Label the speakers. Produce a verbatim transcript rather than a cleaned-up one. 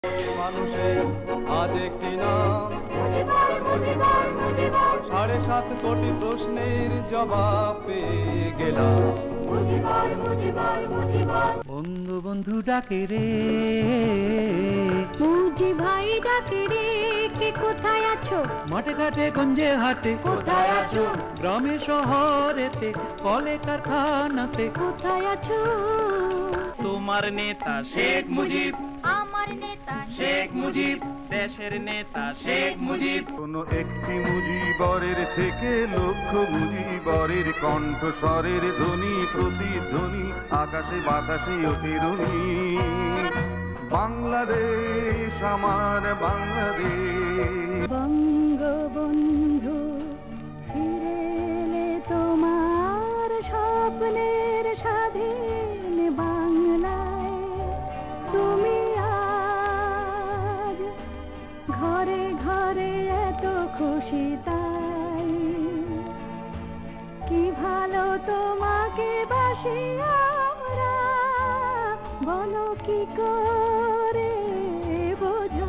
Speaker 1: মানুষের আজ একটি নাম, সাড়ে সাত কোটি প্রশ্নের জবাব পেয়ে গেলাম।
Speaker 2: বন্ধু বন্ধু ডাকে রে,
Speaker 3: মুজি ভাই ডাকে রে, কে কোথায় আছো?
Speaker 2: মাঠে ঘাটে গঞ্জে হাটে
Speaker 3: কোথায় আছো?
Speaker 2: গ্রামে শহরেতে কলে কারখানাতে
Speaker 3: কোথায় আছো?
Speaker 2: তোমার নেতা শেখ মুজিব,
Speaker 3: আমার নেতা
Speaker 2: শেখ মুজিব, দেশের নেতা শেখ মুজিব।
Speaker 4: কোন একটি মুজিবরের থেকে লক্ষ মুজিবরের কণ্ঠস্বরের ধ্বনি প্রতিধ্বনি আকাশে বাতাসে ওঠে রনি। বাংলাদেশ আমার বাংলাদেশ।
Speaker 3: বঙ্গবন্ধু ফিরে এলে তোমার স্বপ্নের স্বাধীন বাংলায়, তুমি আজ ঘরে ঘরে এত খুশি তাই, কি ভালো তোমাকে বাসি আমরা, বলো কি করে বোঝাই।